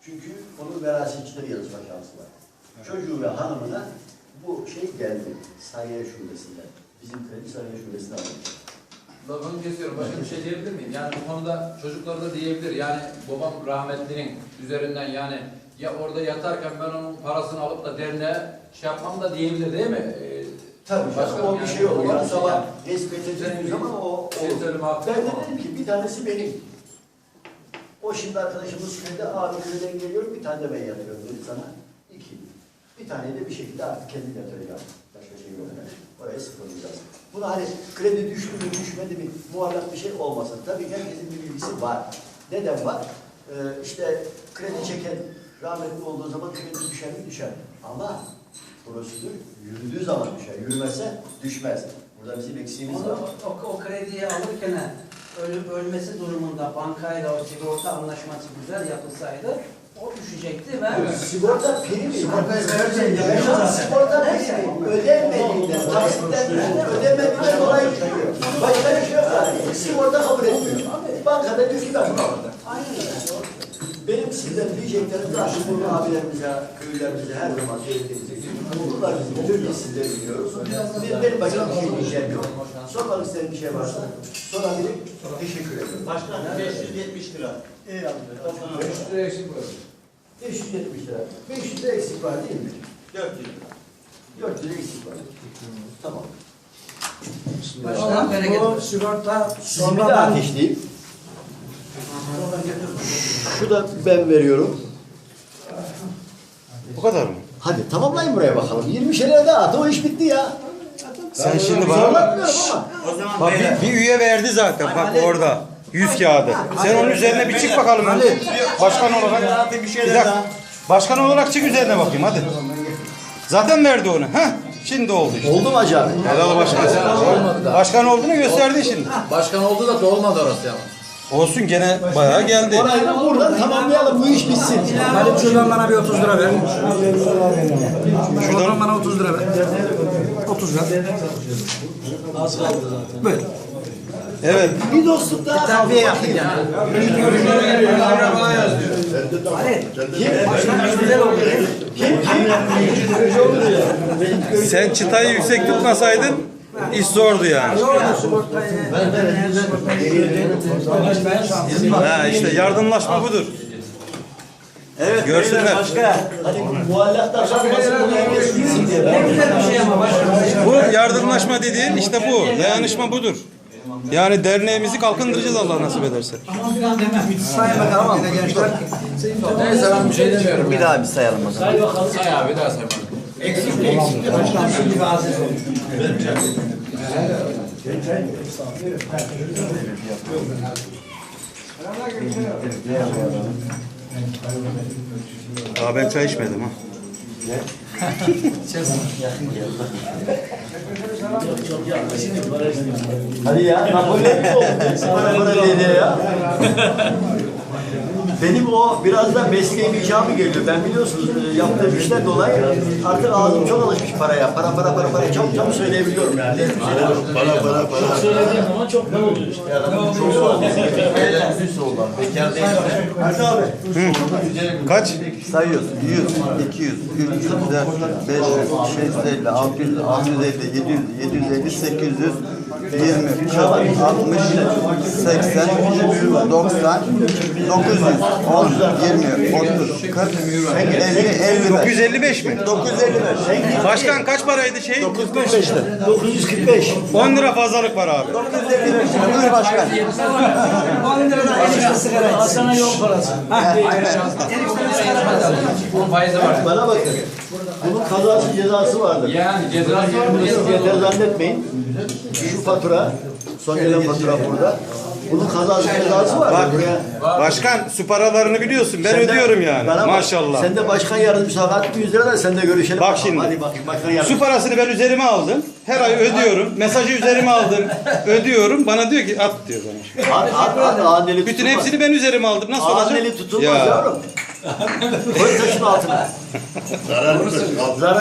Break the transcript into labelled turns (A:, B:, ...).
A: Çünkü onun verasetçileri yazma şansı var. Çocuğu ve hanımına bu şey geldi. Sarıyer Şubesi'nden. Bizim kredi Sarıyer Şubesi'nden aldık.
B: Lafını kesiyorum. Başka bir şey diyebilir miyim? Yani bu konuda çocuklar da diyebilir. Yani babam rahmetlinin üzerinden yani ya orada yatarken ben onun parasını alıp da derneğe şey yapmam da diyebilir değil mi?
A: Tabii başka o bir şey olur. Yani sabah tespit edeceğimiz zaman o ben de dedim ki bir tanesi benim. O şimdi arkadaşımız kredi, abi krediden geliyorum, bir tane de ben yatıyorum dedi sana. 2. Bir tane de bir şekilde artık kendim yatıracağım. Başka şey yok. Oraya sıfırlayacağız. Buna hani kredi düştü mü düşmedi mi muallak bir şey olmasın. Tabii herkesin bir bilgisi var. Neden var? İşte kredi çeken rahmetli olduğu zaman kredi düşer mi? Düşer. Ama prosedür yürüdüğü zaman düşer. Yürümezse düşmez. Burada bizim eksiğimiz var.
C: O krediyi alırken ölmesi durumunda bankayla o sigorta anlaşması güzel yapılsaydı o düşecekti ve
A: sigorta primi, sigorta primi ödenmediğinden, taksitlerden ödenmediğinden dolayı çıkıyor. Başka bir şey yok yani. Sigorta kabul etmiyor. Bankada düştü ben.
C: aynen öyle.
A: Benim sizden diyeceklerim zaten bunu abilerimize, köylülerimize her zaman söylediğimiz gibi. Bunlar bizim tür biz sizleri biliyoruz. Benim başka bir şey diyeceğim yok. Sormak istediğim bir şey varsa sorabilirim. Teşekkür ederim.
D: Başkan 570 lira.
A: İyi abi.
B: 500 lira eksik var.
A: 570 lira. 500 lira eksik var değil mi?
D: 4 lira.
A: 4 lira eksik var. Tamam.
C: Başkan
E: Bu sigorta
A: Şimdi de ateşleyeyim. Şu da ben veriyorum.
F: Bu kadar mı?
A: Hadi tamamlayın buraya bakalım. 20 lira daha at. O iş bitti ya.
F: Sen şimdi bana...
A: Zorlatmıyorum ama.
D: O zaman
F: Bak bir üye verdi zaten bak orada. 100 kağıdı. Sen onun üzerine bir çık bakalım hadi. Başkan olarak.
D: bir
F: Bir
D: şeyler
F: dakika.
D: daha.
F: Başkan olarak çık üzerine bakayım hadi. Zaten verdi onu. Heh. Şimdi oldu işte.
A: Oldu mu acaba?
F: Helal başkan.
B: Olmadı da.
F: Başkan olduğunu gösterdi şimdi.
B: Başkan oldu da dolmadı orası ya.
F: Olsun gene bayağı geldi.
A: Orayı da buradan tamamlayalım. Bu iş bitsin.
E: Halim şuradan bana bir 30 lira ver. Şuradan bana 30 lira ver. 30 lira. Az kaldı zaten. Böyle.
F: Evet.
A: Bir dostluk daha.
E: Terbiye yaptık yani.
F: Sen çıtayı yüksek tutmasaydın iş zordu yani. Ha işte yardımlaşma budur.
D: Evet.
F: Görsünler.
D: Başka.
A: Hani muallakta kalmasın. Bunu herkes bilsin diye. Ben
C: güzel bir şey ama başkan.
F: Bu yardımlaşma dediğin işte bu. Dayanışma budur. Yani derneğimizi kalkındıracağız Allah nasip ederse.
E: Sayın bakalım yine gençler.
B: Neyse ben bir şey demiyorum.
D: Bir daha bir sayalım o zaman.
B: Say abi daha say bana.
E: Başkan şimdi bir aziz olmuş.
F: Daha ben çay içmedim ha.
A: Hadi ya. Napolyon mu oldu? Para diye ya. Benim o biraz da mesleğim icabı geliyor. Ben biliyorsunuz yaptığım işten dolayı artık ağzım çok alışmış paraya. Para çabuk söyleyebiliyorum yani. Para.
D: Çok söylediğin zaman çok ne oluyor işte.
A: Çok oldu.
D: Bekar değil.
A: Hadi abi.
F: Kaç?
G: Sayıyorsun. 100, 200, 300, 400, 500, 650, 600, 650, 700, 750, 800, 20, 40, 60, 80, 90, 900, 10, 20, 30, 40, 50, 55.
F: 955 mi?
G: 955.
F: Başkan kaç paraydı şey?
A: 945'te. 945.
F: 10 lira fazlalık var abi.
G: 955. Buyur başkan.
E: 10 liradan enişte sigara. Hasan'a yol parası.
B: Bunun faizi var.
A: Bana bakın. Bunun kazası cezası vardır.
B: Yani ceza
A: Yeter zannetmeyin. Şu fatura, son gelen fatura burada. Bunun kazası cezası var.
F: Bak başkan su paralarını biliyorsun ben ödüyorum yani
A: Bana bak,
F: maşallah.
A: Sen de başkan yardımcısı hak 100 lira da sen de görüşelim.
F: Bak
A: bakalım.
F: şimdi.
A: Hadi bak başkan yardımcısı.
F: Su parasını ben üzerime aldım. Her ay ödüyorum. Mesajı üzerime aldım. Ödüyorum. Bana diyor ki at diyor bana.
A: At anneli
F: Bütün hepsini ben üzerime aldım. Nasıl olacak?
A: Anneli tutulmaz yavrum. Koy taşın altına. Zarar